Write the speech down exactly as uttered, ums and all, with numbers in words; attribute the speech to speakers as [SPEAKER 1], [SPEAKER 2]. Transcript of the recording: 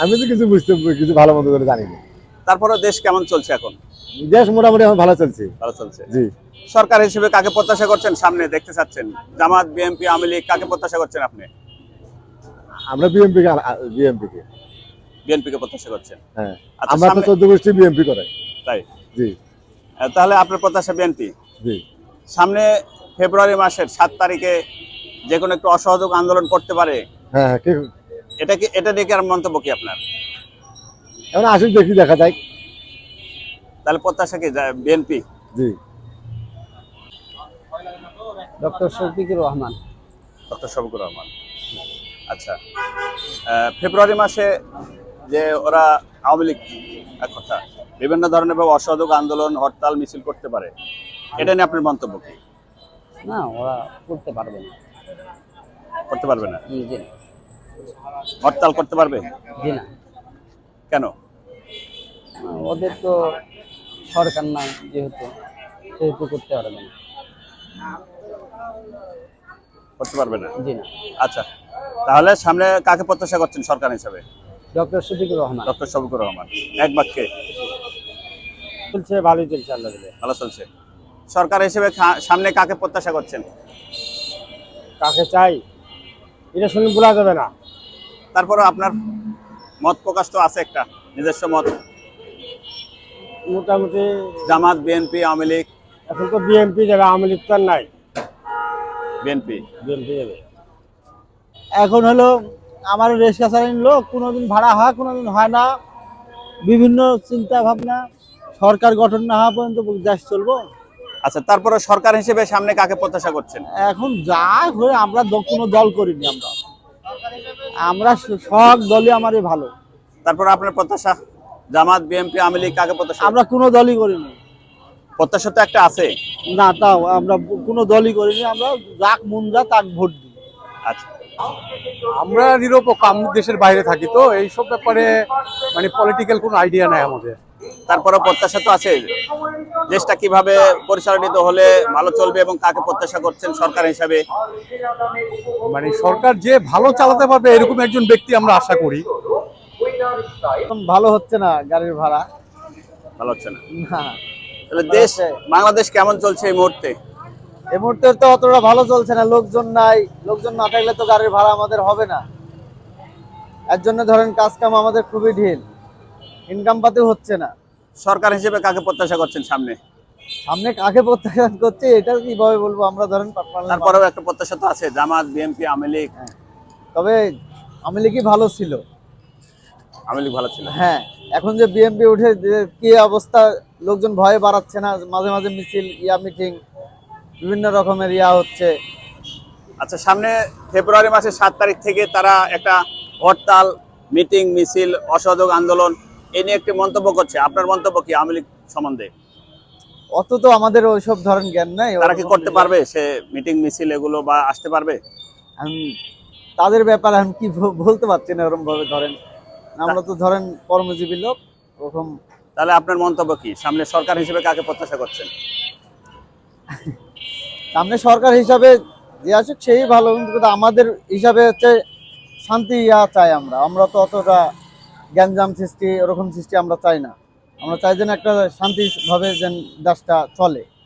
[SPEAKER 1] আমি তো কিছু বুঝতে কিছু ভালো মতো করে জানি না।
[SPEAKER 2] তারপরে দেশ কেমন চলছে এখন?
[SPEAKER 1] দেশ মোটামুটি এখন ভালো চলছে।
[SPEAKER 2] ভালো চলছে।
[SPEAKER 1] জি।
[SPEAKER 2] সরকার হিসেবে কাকে প্রত্যাশা করছেন সামনে দেখতে চাচ্ছেন? জামাত, বিএনপি, আওয়ামী লীগ কাকে প্রত্যাশা করছেন আপনি?
[SPEAKER 1] আমরা বিএমপি কে বিএমপি কে
[SPEAKER 2] বিএনপি কে প্রত্যাশা করছেন।
[SPEAKER 1] হ্যাঁ,
[SPEAKER 2] আচ্ছা
[SPEAKER 1] আমরা তো
[SPEAKER 2] সামনে
[SPEAKER 1] চোদ্দ গোষ্ঠী বিএমপি করে।
[SPEAKER 2] তাই
[SPEAKER 1] জি
[SPEAKER 2] আহ, তাহলে আপনার প্রত্যাশা বিএনপি।
[SPEAKER 1] জি।
[SPEAKER 2] সামনে ফেব্রুয়ারি মাসের সাত তারিখে যে কোনো একটু অসহযোগ আন্দোলন করতে পারে,
[SPEAKER 1] হ্যাঁ হ্যাঁ, কি
[SPEAKER 2] এটা কি এটা নিয়ে কি আর মন্তব্য কি আপনার?
[SPEAKER 1] এখন আসুন দেখি, দেখা যায়।
[SPEAKER 2] তাহলে প্রত্যাশা কি বিএনপি?
[SPEAKER 1] জি।
[SPEAKER 3] ডক্টর শফিকুর রহমান।
[SPEAKER 2] ডক্টর শফিকুর রহমান। আচ্ছা, আহ, ফেব্রুয়ারি মাসে যে ওরা আওয়ামী লীগ এক কথা বিভিন্ন ধরনের ভাবে অসহযোগ আন্দোলন হরতাল মিছিল করতে পারে, এটা নিয়ে আপনার মন্তব্য কি?
[SPEAKER 3] না, ওরা করতে পারবে না।
[SPEAKER 2] করতে পারবে না?
[SPEAKER 3] জি জি না।
[SPEAKER 2] হরতাল করতে পারবে?
[SPEAKER 3] জি না।
[SPEAKER 2] কেন?
[SPEAKER 3] আহ, ওদের তো সরকার না, যেহেতু সেহেতু করতে পারবে না।
[SPEAKER 2] করতে পারবে না?
[SPEAKER 3] জি না।
[SPEAKER 2] আচ্ছা, তাহলে সামনে কাকে প্রত্যাশা করছেন সরকার হিসাবে?
[SPEAKER 3] ডক্টর শফিকুর রহমান।
[SPEAKER 2] ডক্টর শফিকুর রহমান। এক বাক্যে?
[SPEAKER 3] চলছে, ভালোই চলছে, আল্লাহ দিলে।
[SPEAKER 2] ভালো চলছে। সরকার হিসেবে খা- সামনে কাকে প্রত্যাশা করছেন?
[SPEAKER 3] কাকে চাই এটা শুনে বলা যাবে না।
[SPEAKER 2] তারপরে আপনার মত প্রকাশ তো আছে একটা নিজস্ব মত।
[SPEAKER 3] মোটামুটি
[SPEAKER 2] জামাত, বিএনপি, আওয়ামী লীগ?
[SPEAKER 3] এখন তো বিএনপি যাবে, আওয়ামী লীগ তো আর নাই।
[SPEAKER 2] বিএনপি।
[SPEAKER 3] বিএনপি যাবে। এখন হলো আমার রিক্সা চালানোর লোক, কোনোদিন ভাড়া হয় কোনোদিন হয় না, বিভিন্ন চিন্তা ভাবনা, সরকার গঠন না হওয়া পর্যন্ত দেশ চলবো।
[SPEAKER 2] আচ্ছা, তারপরে সরকার হিসেবে সামনে কাকে প্রত্যাশা করছেন?
[SPEAKER 3] এখন যা হয়ে আমরা দ- কোনো দল করিনি, আমরা আমরা স- সব দলই আমারই ভালো।
[SPEAKER 2] তারপরে আপনার প্রত্যাশা জামাত, বিএনপি, আওয়ামী লীগ কাকে প্রত্যাশা?
[SPEAKER 3] আমরা কোনো দলই করিনি।
[SPEAKER 2] প্রত্যাশা তো একটা আছে।
[SPEAKER 3] না, তাও আমরা কোনো দলই করিনি, আমরা যাক মন যা তাক ভোট দিই।
[SPEAKER 2] আচ্ছা,
[SPEAKER 4] আমরা নিরপেক্ষ, আমি দেশের বাইরে থাকি, তো এইসব ব্যাপারে মানে পলিটিক্যাল কোনো আইডিয়া নাই আমাদের।
[SPEAKER 2] তারপরে প্রত্যাশা তো আছে দেশটা কিভাবে পরিচালিত হলে ভালো চলবে এবং কাকে প্রত্যাশা করছেন সরকার হিসাবে?
[SPEAKER 4] মানে সরকার যে ভালো চালাতে পারবে এরকম একজন ব্যক্তি আমরা আশা করি।
[SPEAKER 3] এখন ভালো হচ্ছে না গাড়ির ভাড়া।
[SPEAKER 2] ভালো হচ্ছে না?
[SPEAKER 3] না,
[SPEAKER 2] তাহলে দেশ বাংলাদেশ কেমন চলছে এই মুহূর্তে?
[SPEAKER 3] এই মুহূর্তে তো অতটা ভালো চলছে না, লোকজন নাই, লোকজন না থাকলে তো গাড়ির ভাড়া আমাদের হবে না। এর জন্য ধরেন কাজ কাম আমাদের খুবই ঢিল, ইনকাম পাতি হচ্ছে না।
[SPEAKER 2] সরকার হিসেবে কাকে প্রত্যাশা করছেন সামনে?
[SPEAKER 3] সামনে কাকে প্রত্যাশা করছে এটা কিভাবে বলবো, আমরা ধরেন পার্সোনালি
[SPEAKER 2] তারপরেও একটা প্রত্যাশা তো আছে জামাত, বিএনপি, আওয়ামী লীগ।
[SPEAKER 3] তবে আওয়ামী লীগই ভালো ছিল।
[SPEAKER 2] আওয়ামী লীগ ভালো ছিল।
[SPEAKER 3] হ্যাঁ, এখন যে বিএনপি উঠে যে কি অবস্থা, লোকজন ভয়ে বাড়াচ্ছে না, মাঝে মাঝে মিছিল, ইয়া মিটিং, বিভিন্ন রকমের ইয়া হচ্ছে।
[SPEAKER 2] আচ্ছা, সামনে ফেব্রুয়ারি মাসের সাত তারিখ থেকে তারা একটা হরতাল, মিটিং, মিছিল, অসহযোগ আন্দোলন এ নিয়ে একটি মন্তব্য করছে। আপনার মন্তব্য কি আওয়ামী লীগ সম্বন্ধে?
[SPEAKER 3] অত তো আমাদের ওইসব ধরেন জ্ঞান নাই।
[SPEAKER 2] তারা কি করতে পারবে সে মিটিং মিছিল এগুলো বা আসতে পারবে?
[SPEAKER 3] এখন তাদের ব্যাপারে আমি কি ব- বলতে পারছি না ওরকম ভাবে, ধরেন আমরা তো ধরেন কর্মজীবী লোক ওরকম।
[SPEAKER 2] তাহলে আপনার মন্তব্য কি সামনে সরকার হিসেবে কাকে প্রত্যাশা করছেন?
[SPEAKER 3] সামনে সরকার হিসাবে যে আসুক সেই ভালো, কিন্তু আমাদের হিসাবে হচ্ছে শান্তি ইয়া চাই আমরা। আমরা তো অতটা গ্যাঞ্জাম সৃষ্টি ওরকম সৃষ্টি আমরা চাই না। আমরা চাই যেন একটা শান্তিভাবে যেন দেশটা চলে।